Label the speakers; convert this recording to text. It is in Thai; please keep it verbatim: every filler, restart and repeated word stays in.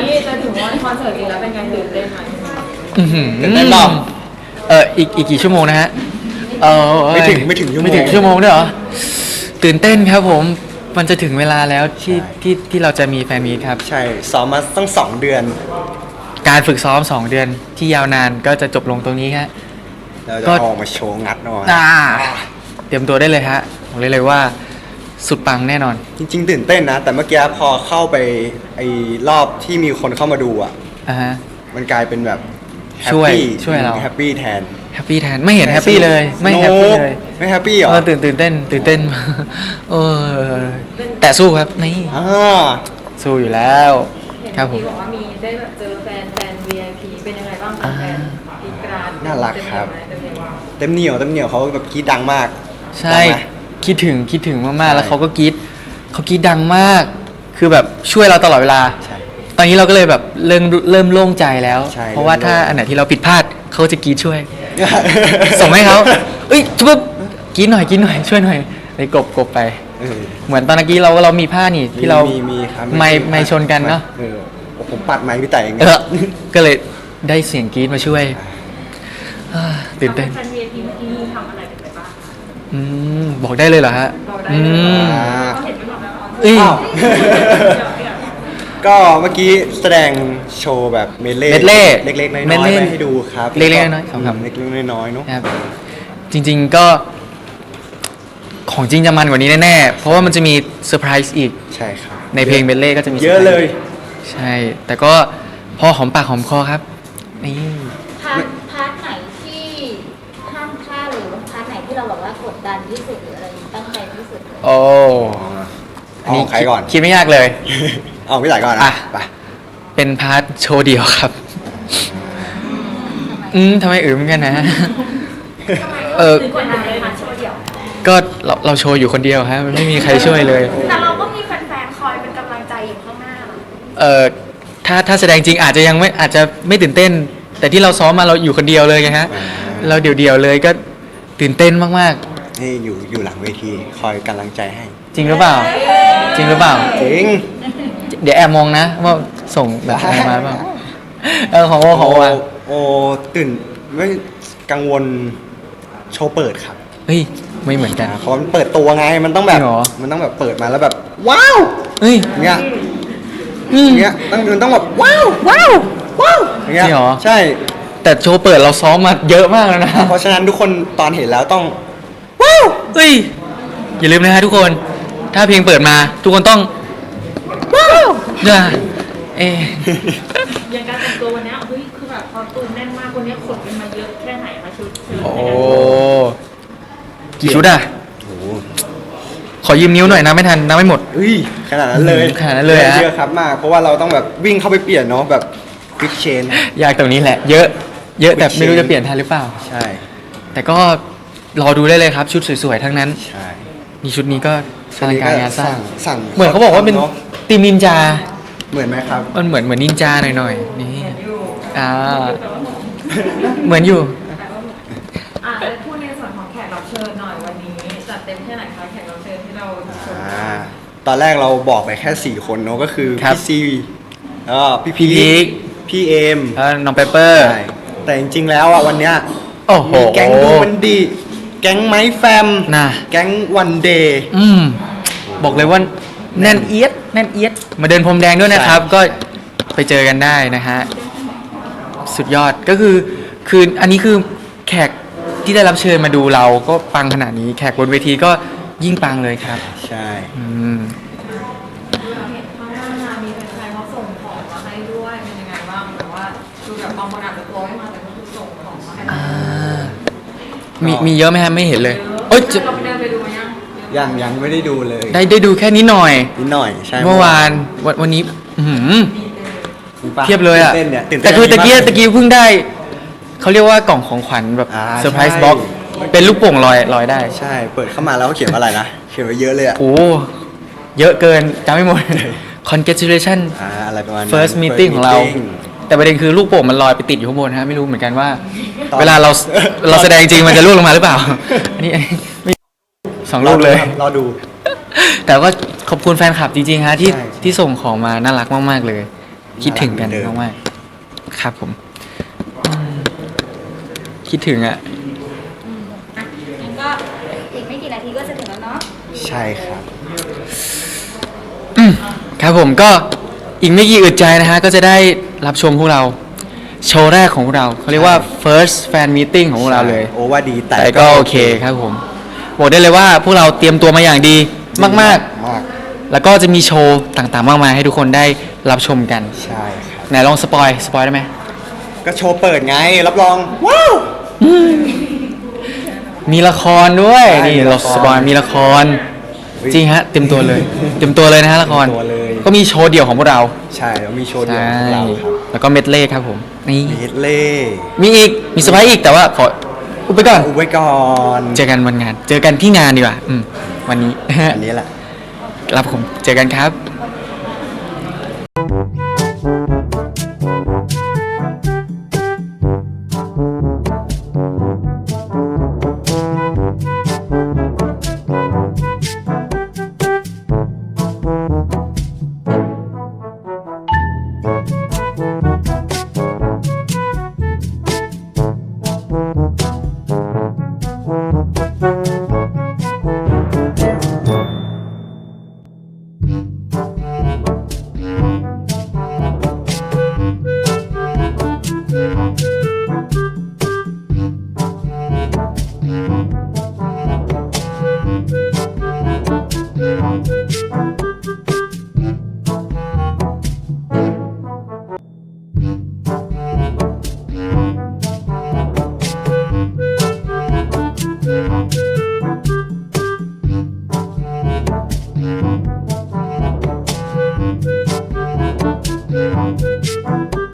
Speaker 1: นี้จะถึงวันคอนเสิร์ตจริงแล้วเป็นไงตื่นเต้นไหม
Speaker 2: อื้อหือตื่นเต้นเปล่าเอออีกอีกกี่ชั่วโมงนะฮะเออ
Speaker 3: ไม่ถึงไม่ถึงชั่วโมง
Speaker 2: ไม่ถึงชั่วโมงด้วยเหรอตื่นเต้นครับผมมันจะถึงเวลาแล้วที่ที่ที่เราจะมีแฟนมีตครับ
Speaker 3: ใช่ซ้อมมาตั้งสองเดือน
Speaker 2: การฝึกซ้อมสองเดือนที่ยาวนานก็จะจบลงตรงนี้ฮะ
Speaker 3: เราจะ
Speaker 2: ก็
Speaker 3: ออกมาโชว์งัดหน่อย
Speaker 2: อ่าเตรียมตัวได้เลยฮะบอกเลยเลยว่าสุดปังแน่นอน
Speaker 3: จริงๆตื่นเต้นนะ แต่เมื่อกี้พอเข้าไปไอ้รอบที่มีคนเข้ามาดูอ่ะ
Speaker 2: อ่าฮะ
Speaker 3: มันกลายเป็นแบบแฮป
Speaker 2: ช่วย
Speaker 3: ปี้
Speaker 2: ช่วยเรา
Speaker 3: แฮปปี้แทน
Speaker 2: แฮปปี้แทนไม่เห็นแฮปปี้เลยไม่แฮปปี้เลย
Speaker 3: ไม่แฮปปี้เหรอ
Speaker 2: เออตื่นตื่นเต้นตื่นเต้น เออแต่สู้ครับนี่
Speaker 3: อ่า
Speaker 2: สู้อยู่แล้วครับผม
Speaker 1: ที่บอกว่ามีได้แบบเจอแฟนแฟน วี ไอ พี เป็นยังไงบ้างคะแฟนกรีดกราด
Speaker 3: น่ารักครับ
Speaker 1: เป็นยังไงบ้าง
Speaker 3: เต็มเหนียวเต็มเหนียวเขาแบบกรีดดังมาก
Speaker 2: ใช่
Speaker 3: ดังไหม
Speaker 2: คิดถึงคิดถึงมาก
Speaker 3: ใช่
Speaker 2: ๆแล้วเขาก็กรี๊ดเขากรี๊ดดังมาก คือแบบช่วยเราตลอดเวลา
Speaker 3: ใช่
Speaker 2: ตอนนี้เราก็เลยแบบเริ่มเริ่มโล่งใจแล้ว
Speaker 3: ใช่
Speaker 2: เพราะว่า
Speaker 3: เริ่ม
Speaker 2: ถ้า
Speaker 3: โล่ง
Speaker 2: อันไหนที่เราผิดพลาดเขาจะกรี๊ดช่วย ส่งให้เขาเอ้ยทุบกรี๊ดหน่อยกรี๊ดหน่อยช่วยหน่อยเลยกบกบไป
Speaker 3: เออ
Speaker 2: เหมือนตอนเมื่อกี้เราเรามีผ้านี่ที่เรา
Speaker 3: มีมีครับ
Speaker 2: ไม่ไม่ชนกันเนาะ
Speaker 3: เออผมปัดไม้พี่แต่เอง
Speaker 2: เออก็เลยได้เสียงกรี๊ดมาช่วยอ่าตื่นเต้น
Speaker 1: แฟน วี ไอ พี เมื่อกี้มีทำอะไรกันไปบ้างคะ
Speaker 2: อืมบอกได้เลยเหรอฮะ
Speaker 1: บอกได้
Speaker 2: อื
Speaker 1: เลย
Speaker 2: ม
Speaker 3: อ่า
Speaker 1: เขาเห็นไม่บอกแล้ว
Speaker 2: เอ้ย
Speaker 3: อ้าว ก็เมื่อกี้แสดงโชว์แบบเมดเล่
Speaker 2: เมดเล่
Speaker 3: เล็กๆน้อยๆ
Speaker 2: เมดเล่
Speaker 3: ไว้ให้ดูครับ
Speaker 2: เล็กๆน้อยๆครับ
Speaker 3: เล็กๆน้อยๆเนาะ
Speaker 2: ครับจริงๆก็ของจริงจะมันกว่านี้แน่ๆ เพราะว่ามันจะมีเซอร์ไพรส์อีก
Speaker 3: ใช่ครับ
Speaker 2: ในเพลงเบลเล่ก็จะมี
Speaker 3: เยอะเลย
Speaker 2: ใช่ แต่ก็พอหอมปากหอมคอครับนี่
Speaker 4: พาร์ทพาร์ทไหนที่ห้ามพลาดหรือว่าพาร์ทไหนที่เราแบบว่ากดดันที่สุดหรืออะไรตั้งใจที่สุด
Speaker 2: โอ้
Speaker 3: เอาของใครก่อน
Speaker 2: คิดไม่ยากเลย
Speaker 3: เอาพี่แต่ก่อน
Speaker 2: อ่ะ
Speaker 3: นะไป
Speaker 2: เป็นพาร์ทโชว์เดียวครับ อืมทำไมอืมเหมือนกันนะ เออ
Speaker 1: ถึงกว่านั้นเลยค่ะโชว์เดี่ยว
Speaker 2: ก็เราเราโชว์อยู่คนเดียวฮะมันไม่มีใครช่วยเลย
Speaker 1: แต่เราก็มีแฟนๆคอยเป็นกำลังใจอยู่ข้างหน้านะ
Speaker 2: เออถ้าถ้าแสดงจริงอาจจะยังไม่อาจจะไม่ตื่นเต้น แต่ที่เราซ้อมมาเราอยู่คนเดียวเลยไงฮะ เราเดี่ยวๆเลยก็ตื่นเต้นมาก
Speaker 3: นี่อยู่อยู่หลังเวทีคอยกำลังใจให้
Speaker 2: ๆ จริงหรือเปล่า จริงหรือเปล่า
Speaker 3: จริง
Speaker 2: เดี๋ยวแอบมองนะว่าส่งแบบอะไรมาเปล่าเออของโอของโออะ
Speaker 3: โอตื่นไม่กังวลโชว์เปิดครับ
Speaker 2: เฮ้ยไม่เหมือนกัน
Speaker 3: เพราะมันเปิดตัวไงมันต้องแบบ
Speaker 2: จริงเหรอ
Speaker 3: มันต้องแบบเปิดมาแล้วแบบ ว้าว
Speaker 2: เฮ้ย
Speaker 3: เงี้ย
Speaker 2: อืม
Speaker 3: เงี้ยต้องมันต้องแบบว้าวว้าวว้าวเงี้ย
Speaker 2: จริงเหรอ
Speaker 3: ใช่
Speaker 2: แต่โชว์เปิดเราซ้อมมาเยอะมากแล้วนะ
Speaker 3: เพราะฉะนั้นทุกคนตอนเห็นแล้วต้อง
Speaker 2: ว้าวเฮ้ยอย่าลืมนะฮะทุกคน ถ้าเพลงเปิดมา ทุกคนต้องว้าวนะเอะ
Speaker 1: อย่างการแต่งตัววันเนี้ยเฮ้ยคือแบบพอตูนแน่นมากวันเนี้ยขนกันมาเยอะแค่ไหนคะชุดชุด
Speaker 2: โอ้กี่ชุดอ่ะ
Speaker 3: โอ้โห
Speaker 2: ขอยืมนิ้วหน่อยนะไม่ทันนับไม่หมด
Speaker 3: เฮ้ยขนาดนั้นเลย
Speaker 2: ขนาดนั้นเลยฮะ
Speaker 3: เยอะครับมาก เพราะว่าเราต้องแบบวิ่งเข้าไปเปลี่ยนเนาะแบบควิกเชน
Speaker 2: ยากตรงนี้แหละ เยอะ เยอะแต่ไม่รู้จะเปลี่ยนทันหรือเปล่า
Speaker 3: ใช่
Speaker 2: แต่ก็รอดูได้เลยครับ ชุดสวยๆทั้งนั้น
Speaker 3: ใช่
Speaker 2: นี่ชุดนี้ก็อลังการงานสร้าง
Speaker 3: สั่ง
Speaker 2: เหมือนเขาบอกว่าเป็น
Speaker 3: ะ
Speaker 2: ทีมนินจา
Speaker 3: เหมือนไหมครับ
Speaker 2: มันเหมือนเหมือนนินจาหน่อยๆ นี่ อ่า เหมือนอยู่
Speaker 1: อ่ะแล้วพูดในส่วนของแขกรับเชิญหน่อยวันนี้จัดเต็มแค่ไหนคะแขกรับเชิญที่เราชม
Speaker 3: อ่าตอนแรกเราบอกไปแค่สี่คนเนาะก็คือ
Speaker 2: ครับ
Speaker 3: พี่ซีแล้วก็พี่พี
Speaker 2: พี่พีค
Speaker 3: พี่เอม
Speaker 2: แล้วน้องเปเปอร์
Speaker 3: ใช่แต่จริงๆแล้วอ่ะวันเนี้ย
Speaker 2: โอ้โห
Speaker 3: มีแก๊งดูมันดี แก๊งไม้แฟม
Speaker 2: น่ะ
Speaker 3: แก๊งวันเดย์
Speaker 2: อืม บอกเลยว่าแน่นเอียดแน่นเอียด มาเดินพรมแดงด้วยนะครับ
Speaker 3: ใช่
Speaker 2: ก็ไปเจอกันได้นะฮะ สุดยอดก็คือ คืออันนี้คือแขกที่ได้รับเชิญมาดูเราก็ปังขนาดนี้ แขกบนเวทีก็ยิ่งปังเลยครับ
Speaker 3: ใช่
Speaker 2: อืม
Speaker 1: เห็นข้างหน้ามีแฟนๆเขาส่งของมาให้ด้วยเป็นยังไงบ้างแบบว่าดูแบบบางคนอาจจะตัวไม่มาแต่ก็คือส่งของมาให้
Speaker 2: อ่า มีมีเยอะไหมฮะไม่เห็นเลยโอ๊ยจะ
Speaker 1: เราไปเดินไปดูยัง
Speaker 3: ยังยังไม่ได้ดูเลย
Speaker 2: ได้ได้ดูแค่นี้หน่อย
Speaker 3: นิดหน่อยใช่
Speaker 2: เมื่อวานวันวันนี้อื้อหือ
Speaker 3: จริงปะ
Speaker 2: เทียบเลยอ่ะ
Speaker 3: ตื่นเต้นเนี่ยตื่นเต้
Speaker 2: แต่
Speaker 3: น
Speaker 2: คือตะกี้
Speaker 3: มาก
Speaker 2: ตะกี้เพิ่งได้ เขาเรียกว่ากล่องของขวัญแบบ
Speaker 3: อ่า
Speaker 2: เซอร์ไพรส์
Speaker 3: ใช่
Speaker 2: บ็อกเป็นลูกโป่งลอยลอยได้
Speaker 3: ใช่เปิดเข้ามาแล้วเขาเขียนว่าอะไรนะเขียนไว้เยอะเลยอ่ะ
Speaker 2: โอ้เยอะเกินจำไม่หมด congratulation
Speaker 3: อ่าอะไรประมาณนั้น
Speaker 2: first meeting ของเรา
Speaker 3: meeting
Speaker 2: แต่ประเด็นคือลูกโป่งมันลอยไปติดอยู่ข้างบนฮะไม่รู้เหมือนกันว่า
Speaker 3: ตอน
Speaker 2: เวลาเราเราแสดงจริงมันจะล่วงลงมาหรือเปล่า อันนี้ไม่สองลูกเลย
Speaker 3: รอดู
Speaker 2: แต่ก็ขอบคุณแฟนคลับจริงๆฮะที่
Speaker 3: ใช่
Speaker 2: ที่ส่งของมาน่ารักมากๆเลยคิดถึงกัน
Speaker 3: น่ารักเหมือนเดิม
Speaker 2: มากๆครับผมอืมคิดถึงอ่ะ
Speaker 4: อืมอ่ะงั้นก็อีกไม่กี่นาทีก็จะถึงแล้วเนาะ
Speaker 3: ใช่ครับ
Speaker 2: อืมครับผมก็อีกไม่กี่อึดใจนะฮะ ก็จะได้รับชมพวกเรา โชว์แรกของพวกเราเขาเรียกว่า first fan meeting ของพวกเราเลย
Speaker 3: โอว่าดีแต่
Speaker 2: แต่ก็โอเคครับผมบอกได้เลยว่าพวกเราเตรียมตัวมาอย่างดีมาก
Speaker 3: มาก
Speaker 2: ๆ แล้วก็จะมีโชว์ต่างๆ มากมายให้ทุกคนได้รับชมกัน
Speaker 3: ใช่ครับ
Speaker 2: ไหนลองสปอยสปอยได้ไหม
Speaker 3: ก็โชว์เปิดไง รับรอง ว้าว
Speaker 2: มีละครด้วย
Speaker 3: ใช่
Speaker 2: นี่
Speaker 3: มี
Speaker 2: เรา
Speaker 3: ละคร
Speaker 2: สปอยมีละคร จริงฮะเต็มตัวเลย เต็มตัวเลยนะฮะละคร
Speaker 3: เต็มตัวเลย
Speaker 2: ก็มีโชว์เดี่ยวของพวกเรา
Speaker 3: ใช่แล้วมีโชว์เดียว
Speaker 2: ใช่
Speaker 3: ของเราครับ
Speaker 2: แล้วก็เมดเล่ครับผมนี่
Speaker 3: มีเฮดเล่
Speaker 2: มีอีกมีสไปอีกแต่ว่าขออุบไปก่อน
Speaker 3: อุบไว้ก่อน
Speaker 2: เจอกันวันงาน เจอกันที่งานดีกว่าอืมวันนี้
Speaker 3: อันนี้แหละ
Speaker 2: ครับผมเจอกันครับ